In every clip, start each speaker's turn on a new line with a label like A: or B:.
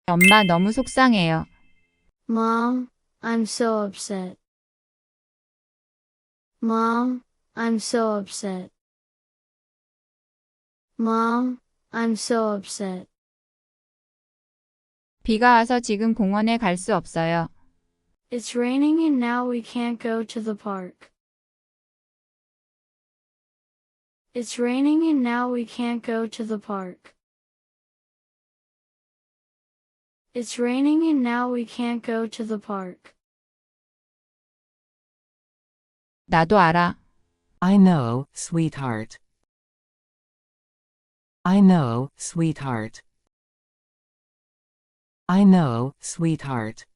A: 엄마 너무 속상해요.
B: Mom, I'm so upset. Mom, I'm so upset. Mom, I'm so upset.
A: 비가 와서 지금 공원에 갈 수 없어요.
B: It's raining and now we can't go to the park. It's raining and now we can't go to the park. It's raining and now we can't go to the park.
A: 나도 알아.
C: I know, sweetheart. I know, sweetheart. I know, sweetheart.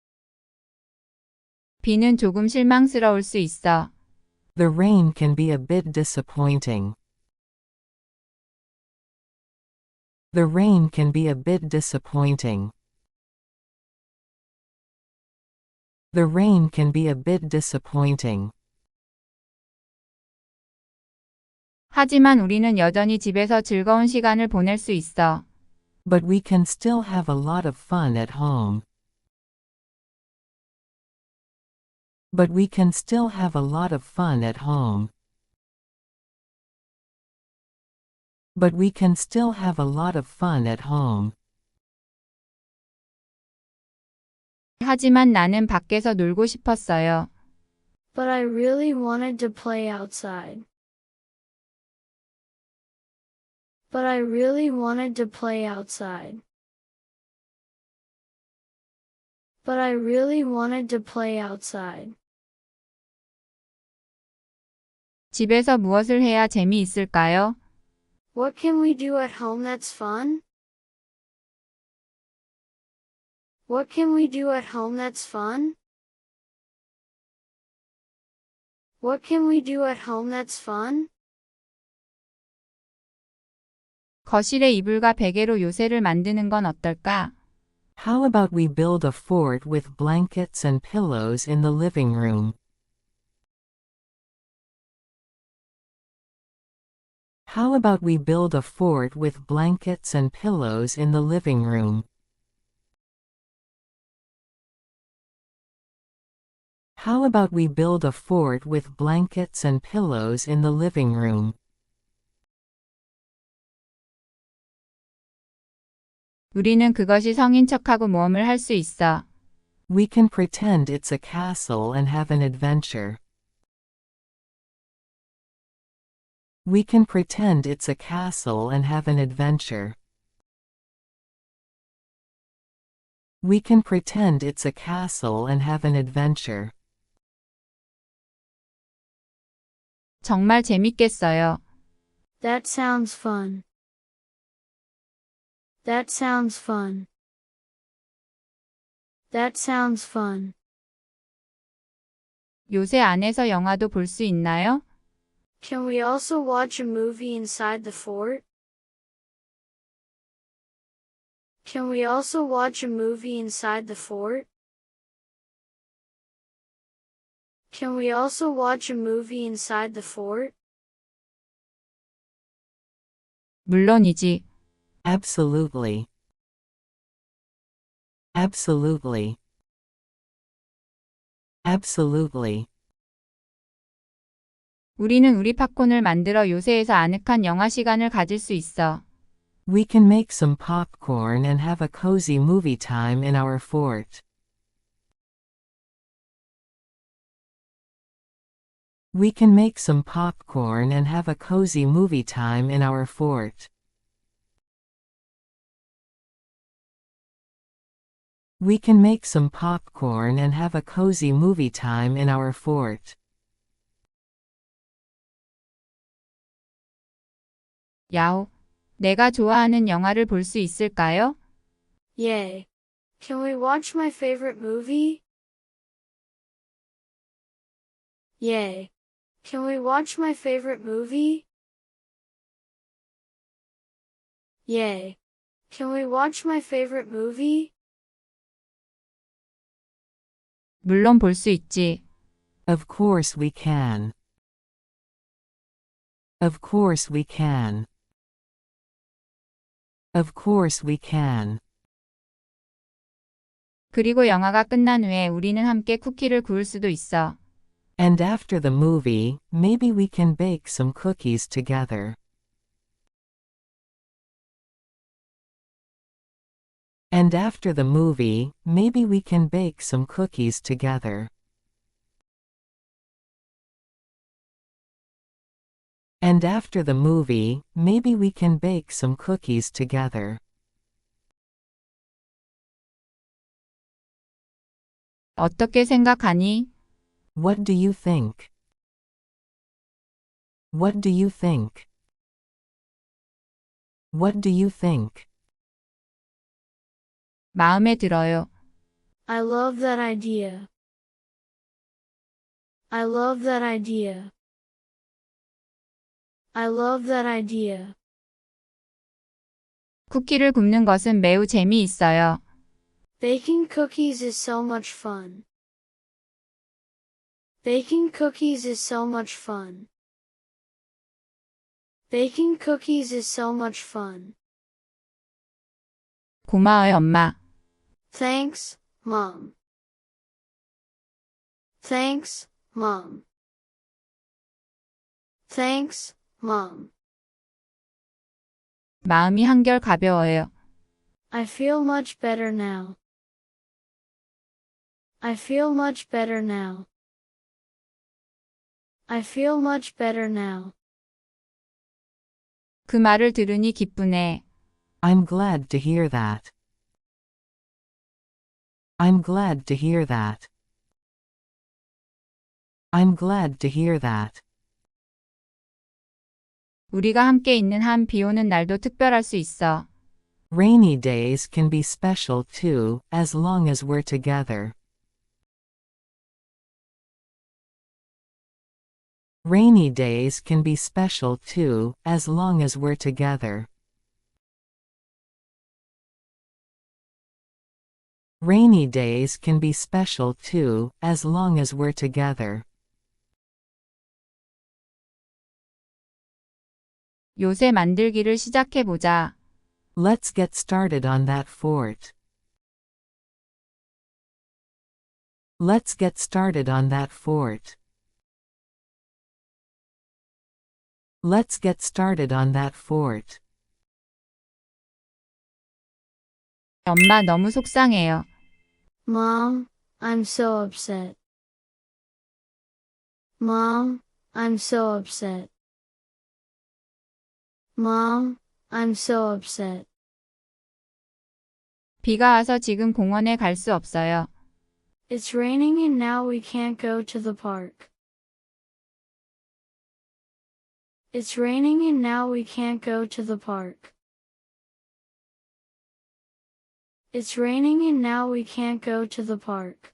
A: 비는 조금 실망스러울 수 있어.
C: The rain can be a bit disappointing. The rain can be a bit disappointing. The rain can be a bit disappointing.
A: 하지만 우리는 여전히 집에서 즐거운 시간을 보낼 수 있어.
C: But we can still have a lot of fun at home. But we can still have a lot of fun at home. But we can still have a lot of fun at home.
A: 하지만 나는 밖에서 놀고 싶었어요.
B: But I really wanted to play outside. But I really wanted to play outside. But I really wanted to play outside.
A: 집에서 무엇을 해야 재미있을까요?
B: What can we do at home that's fun? What can we do at home that's fun? What can we do at home that's fun?
A: 거실에 이불과 베개로 요새를 만드는 건 어떨까?
C: How about we build a fort with blankets and pillows in the living room? How about we build a fort with blankets and pillows in the living room? How about we build a fort with blankets and pillows in the living room?
A: 우리는 그것이 성인 척하고 모험을 할 수 있어.
C: We can pretend it's a castle and have an adventure. We can pretend it's a castle and have an adventure. We can pretend it's a castle and have an adventure.
A: 정말 재밌겠어요.
B: That sounds fun. That sounds fun. That sounds fun.
A: 요새 안에서 영화도 볼 수 있나요?
B: Can we also watch a movie inside the fort? Can we also watch a movie inside the fort? Can we also watch a movie inside the fort?
A: 물론이지.
C: Absolutely. Absolutely. Absolutely.
A: 우리는 우리 팝콘을 만들어 요새에서 아늑한 영화 시간을 가질 수 있어.
C: We can make some popcorn and have a cozy movie time in our fort. We can make some popcorn and have a cozy movie time in our fort. We can make some popcorn and have a cozy movie time in our fort.
A: 야오. 내가 좋아하는 영화를 볼 수 있을까요?
B: Yay. Can we watch my favorite movie? Yay. Can we watch my favorite movie? Yay. Can we watch my favorite movie?
A: 물론 볼 수 있지.
C: Of course we can. Of course we can. Of course we can.
A: 그리고 영화가 끝난 후에 우리는 함께 쿠키를 구울 수도 있어.
C: And after the movie, maybe we can bake some cookies together. And after the movie, maybe we can bake some cookies together. And after the movie, maybe we can bake some cookies together.
A: 어떻게 생각하니?
C: What do you think? What do you think? What do you think?
A: 마음에 들어요.
B: I love that idea. I love that idea. I love that idea.
A: 쿠키를 굽는 것은 매우 재미있어요.
B: Baking cookies is so much fun. Baking cookies is so much fun. Baking cookies is so much fun.
A: 고마워요, 엄마.
B: Thanks, Mom. Thanks, Mom. Thanks, Mom.
A: 마음이 한결 가벼워요.
B: I feel much better now. I feel much better now. I feel much better now.
A: 그 말을 들으니 기쁘네.
C: I'm glad to hear that. I'm glad to hear that. I'm glad to hear that.
A: 우리가 함께 있는 한 비 오는 날도 특별할 수 있어.
C: Rainy days can be special too, as long as we're together. Rainy days can be special too, as long as we're together. Rainy days can be special too, as long as we're together.
A: 요새 만들기를 시작해보자.
C: Let's get started on that fort. Let's get started on that fort. Let's get started on that fort.
A: 엄마 너무 속상해요.
B: Mom, I'm so upset. Mom, I'm so upset. Mom, I'm so upset.
A: 비가 와서 지금 공원에 갈 수 없어요.
B: It's raining and now we can't go to the park. It's raining and now we can't go to the park. It's raining and now we can't go to the park.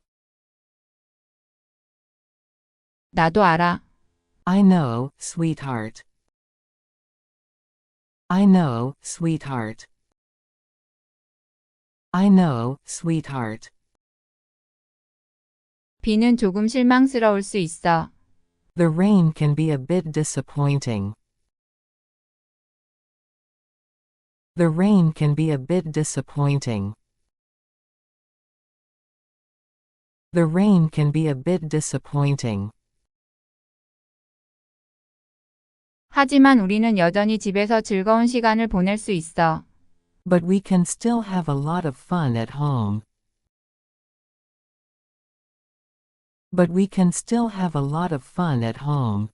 A: 나도 알아.
C: I know, sweetheart. I know, sweetheart. I know, sweetheart.
A: 비는 조금 실망스러울 수 있어.
C: The rain can be a bit disappointing. The rain can be a bit disappointing. The rain can be a bit disappointing.
A: 하지만 우리는 여전히 집에서 즐거운 시간을 보낼 수 있어.
C: But we can still have a lot of fun at home. But we can still have a lot of fun at home.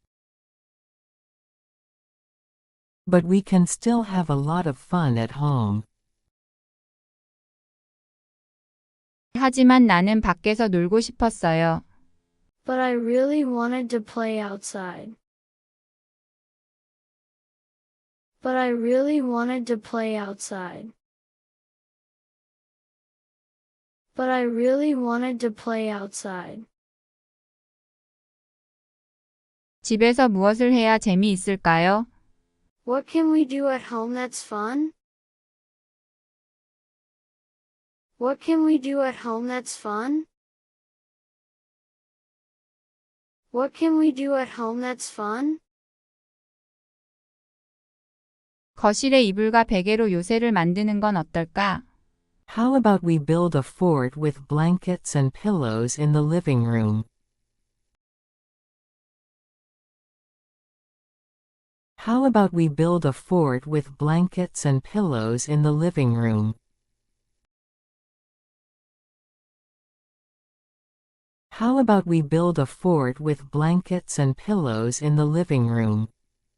C: But we can still have a lot of fun at home.
A: 하지만 나는 밖에서 놀고 싶었어요.
B: But I really wanted to play outside. But I really wanted to play outside. But I really wanted to play outside.
A: 집에서 무엇을 해야 재미있을까요?
B: What can we do at home that's fun? What can we do at home that's fun? What can we do at home that's fun?
A: 거실에 이불과 베개로 요새를 만드는 건 어떨까?
C: How about we build a fort with blankets and pillows in the living room? How about we build a fort with blankets and pillows in the living room? How about we build a fort with blankets and pillows in the living room?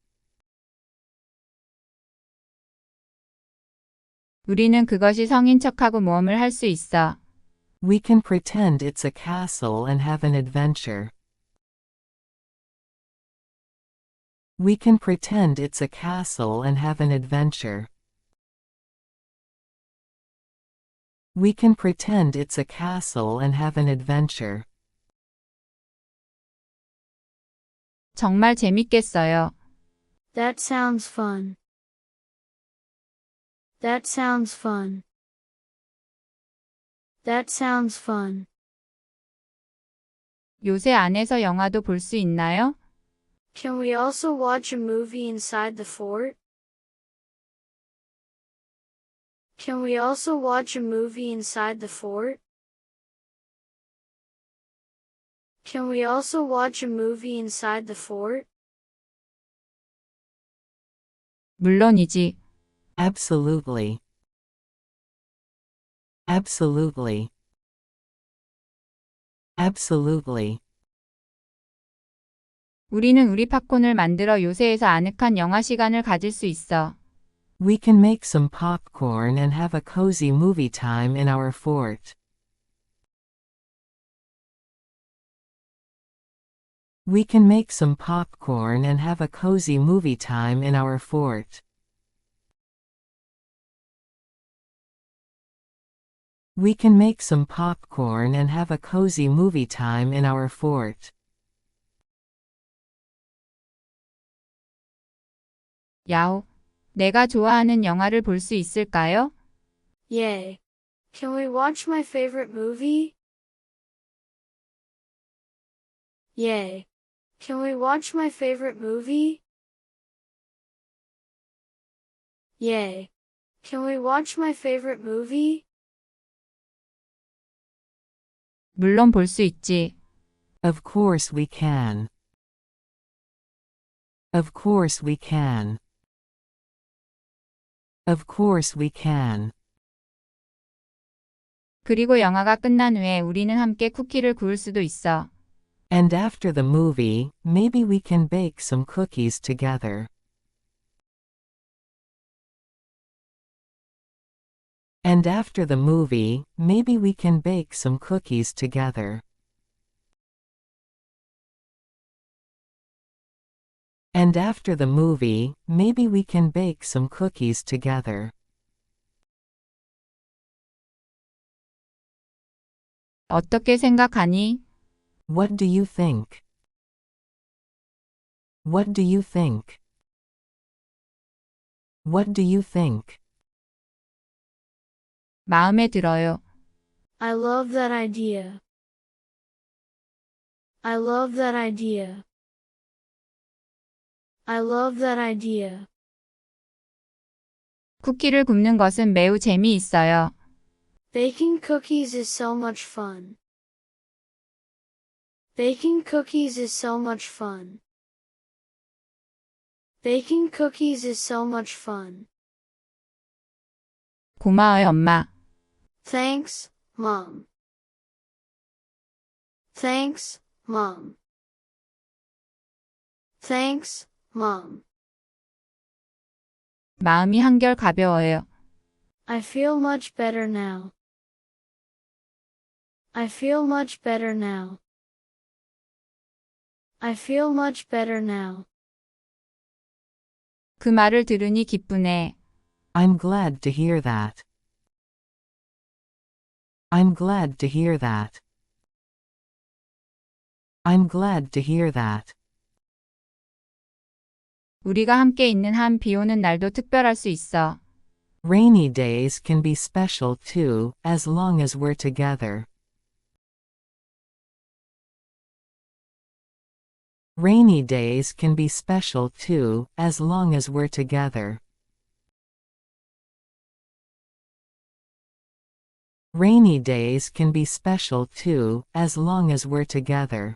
A: 우리는 그것이 성인 척하고 모험을 할 수 있어.
C: We can pretend it's a castle and have an adventure. We can pretend it's a castle and have an adventure. We can pretend it's a castle and have an adventure.
A: 정말 재밌겠어요.
B: That sounds fun. That sounds fun. That sounds fun.
A: 요새 안에서 영화도 볼 수 있나요?
B: Can we also watch a movie inside the fort? Can we also watch a movie inside the fort? Can we also watch a movie inside the fort?
A: 물론이지.
C: Absolutely. Absolutely. Absolutely.
A: 우리는 우리 팝콘을 만들어 요새에서 아늑한 영화 시간을 가질 수 있어.
C: We can make some popcorn and have a cozy movie time in our fort. We can make some popcorn and have a cozy movie time in our fort. We can make some popcorn and have a cozy movie time in our fort.
A: 야오. 내가 좋아하는 영화를 볼 수 있을까요?
B: Yay. Can we watch my favorite movie? Yay. Can we watch my favorite movie? Yay. Can we watch my favorite movie?
A: 물론 볼 수 있지.
C: Of course we can. Of course we can. Of course we can.
A: 그리고 영화가 끝난 후에 우리는 함께 쿠키를 구울 수도 있어.
C: And after the movie, maybe we can bake some cookies together. And after the movie, maybe we can bake some cookies together. And after the movie, maybe we can bake some cookies together.
A: 어떻게 생각하니?
C: What do you think? What do you think? What do you think?
A: 마음에 들어요.
B: I love that idea. I love that idea. I love that idea.
A: 쿠키를 굽는 것은 매우 재미있어요.
B: Baking cookies is so much fun. Baking cookies is so much fun. Baking cookies is so much fun.
A: 고마워요, 엄마.
B: Thanks, Mom. Thanks, Mom. Thanks, Mom.
A: 마음이 한결 가벼워요.
B: I feel much better now. I feel much better now. I feel much better now.
A: 그 말을 들으니 기쁘네.
C: I'm glad to hear that. I'm glad to hear that. I'm glad to hear that.
A: 우리가 함께 있는 한 비 오는 날도 특별할 수 있어.
C: Rainy days can be special too, as long as we're together. Rainy days can be special too, as long as we're together. Rainy days can be special too, as long as we're together.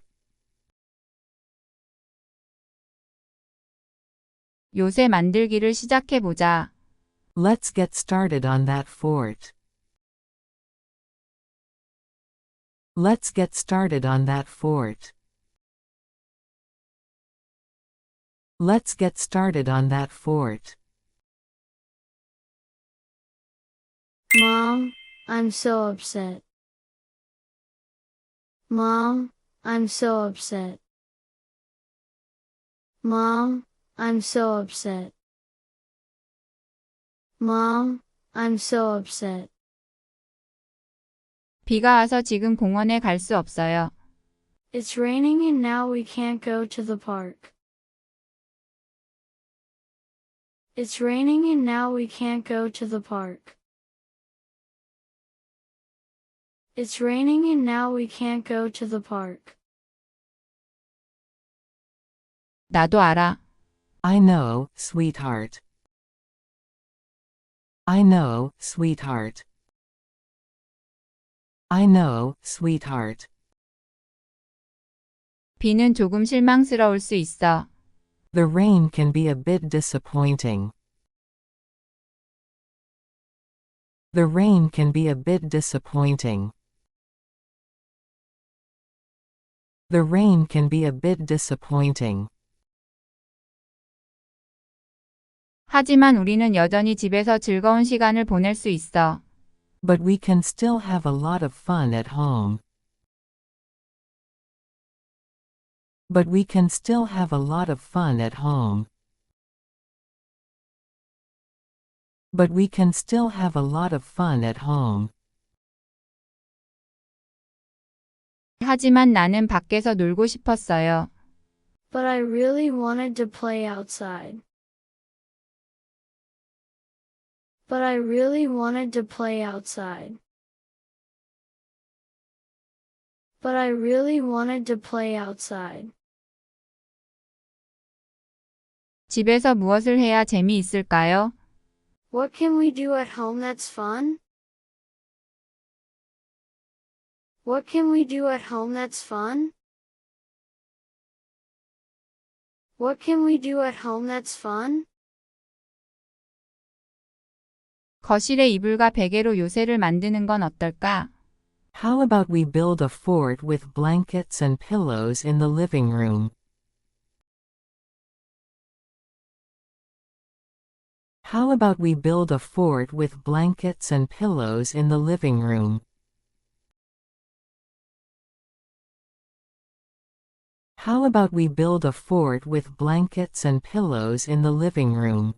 A: 요새 만들기를 시작해보자.
C: Let's get started on that fort. Let's get started on that fort. Let's get started on that fort.
B: Mom, I'm so upset. Mom, I'm so upset. Mom, I'm so upset. Mom, I'm so upset.
A: 비가 와서 지금 공원에 갈 수 없어요.
B: It's raining and now we can't go to the park. It's raining and now we can't go to the park. It's raining and now we can't go to the park.
A: 나도 알아.
C: I know, sweetheart. I know, sweetheart. I know, sweetheart.
A: 비는 조금 실망스러울 수 있어.
C: The rain can be a bit disappointing. The rain can be a bit disappointing. The rain can be a bit disappointing.
A: 하지만 우리는 여전히 집에서 즐거운 시간을 보낼 수 있어.
C: But we can still have a lot of fun at home. But we can still have a lot of fun at home. But we can still have a lot of fun at home.
A: 하지만 나는 밖에서 놀고 싶었어요.
B: But I really wanted to play outside. But I really wanted to play outside. But I really wanted to play outside.
A: 집에서 무엇을 해야 재미있을까요?
B: What can we do at home that's fun? What can we do at home that's fun? What can we do at home that's fun?
A: 거실에 이불과 베개로 요새를 만드는 건 어떨까?
C: How about we build a fort with blankets and pillows in the living room? How about we build a fort with blankets and pillows in the living room? How about we build a fort with blankets and pillows in the living room?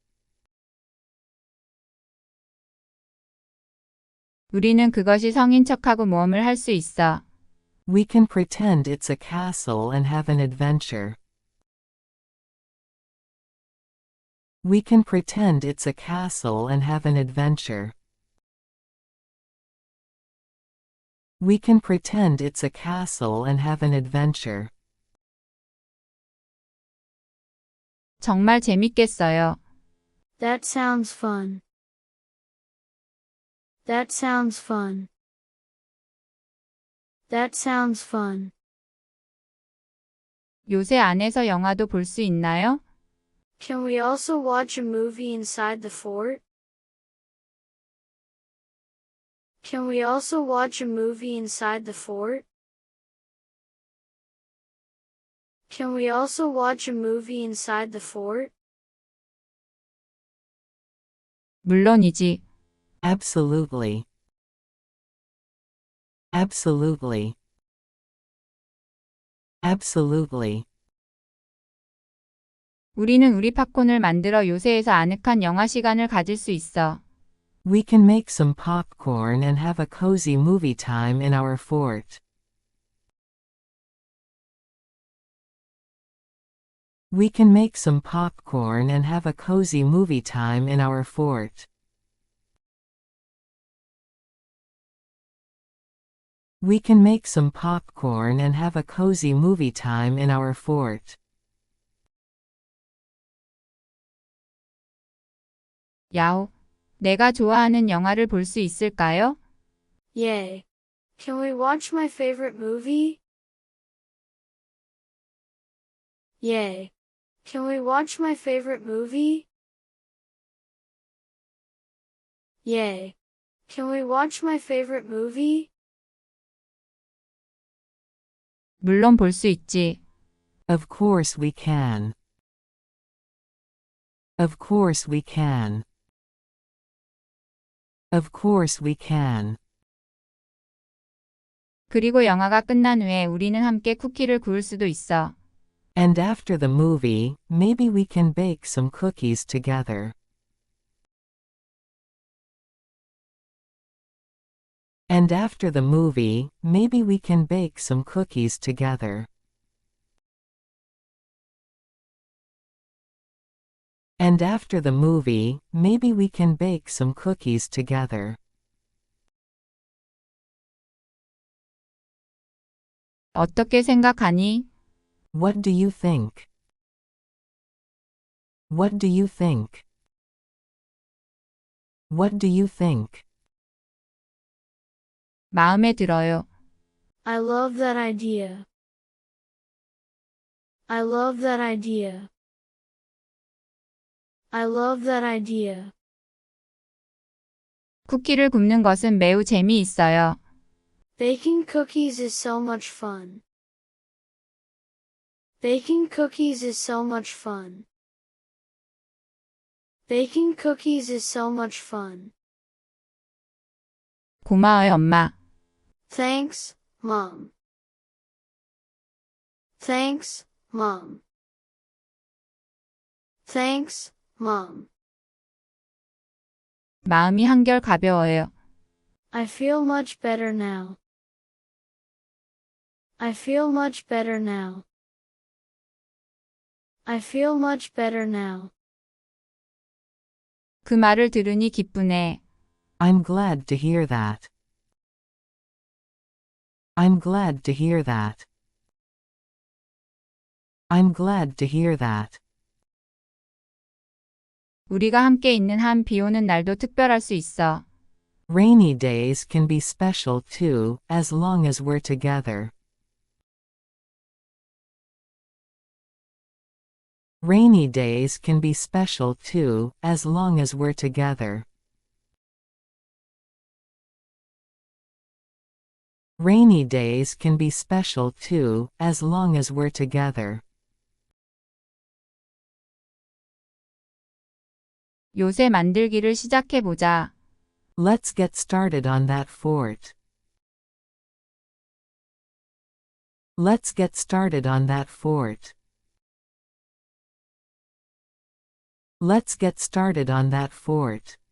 A: 우리는 그것이 성인 척하고 모험을 할 수 있어.
C: We can pretend it's a castle and have an adventure. We can pretend it's a castle and have an adventure. We can pretend it's a castle and have an adventure.
A: 정말 재밌겠어요.
B: That sounds fun. That sounds fun. That sounds fun.
A: 요새 안에서 영화도 볼 수 있나요?
B: Can we also watch a movie inside the fort? Can we also watch a movie inside the fort? Can we also watch a movie inside the fort?
A: 물론이지.
C: Absolutely. Absolutely. Absolutely.
A: 우리는 우리 팝콘을 만들어 요새에서 아늑한 영화 시간을 가질 수 있어.
C: We can make some popcorn and have a cozy movie time in our fort. We can make some popcorn and have a cozy movie time in our fort. We can make some popcorn and have a cozy movie time in our fort.
A: 야오. 내가 좋아하는 영화를 볼 수 있을까요?
B: Yay. Can we watch my favorite movie? Yay. Can we watch my favorite movie? Yay. Can we watch my favorite movie?
A: 물론 볼 수 있지.
C: Of course we can. Of course we can. Of course we can.
A: 그리고 영화가 끝난 후에 우리는 함께 쿠키를 구울 수도 있어.
C: And after the movie, maybe we can bake some cookies together. And after the movie, maybe we can bake some cookies together. And after the movie, maybe we can bake some cookies together.
A: 어떻게 생각하니?
C: What do you think? What do you think? What do you think?
A: 마음에 들어요.
B: I love that idea. I love that idea. I love that idea.
A: 쿠키를 굽는 것은 매우 재미있어요.
B: Baking cookies is so much fun. Baking cookies is so much fun. Baking cookies is so much fun.
A: 고마워요, 엄마.
B: Thanks, Mom. Thanks, Mom. Thanks, Mom.
A: 마음이 한결 가벼워요.
B: I feel much better now. I feel much better now. I feel much better now.
A: 그 말을 들으니 기쁘네.
C: I'm glad to hear that. I'm glad to hear that. I'm glad to hear that.
A: 우리가 함께 있는 한 비 오는 날도 특별할 수 있어.
C: Rainy days can be special too, as long as we're together. Rainy days can be special too, as long as we're together. Rainy days can be special too, as long as we're together.
A: 요새 만들기를 시작해보자.
C: Let's get started on that fort. Let's get started on that fort. Let's get started on that fort.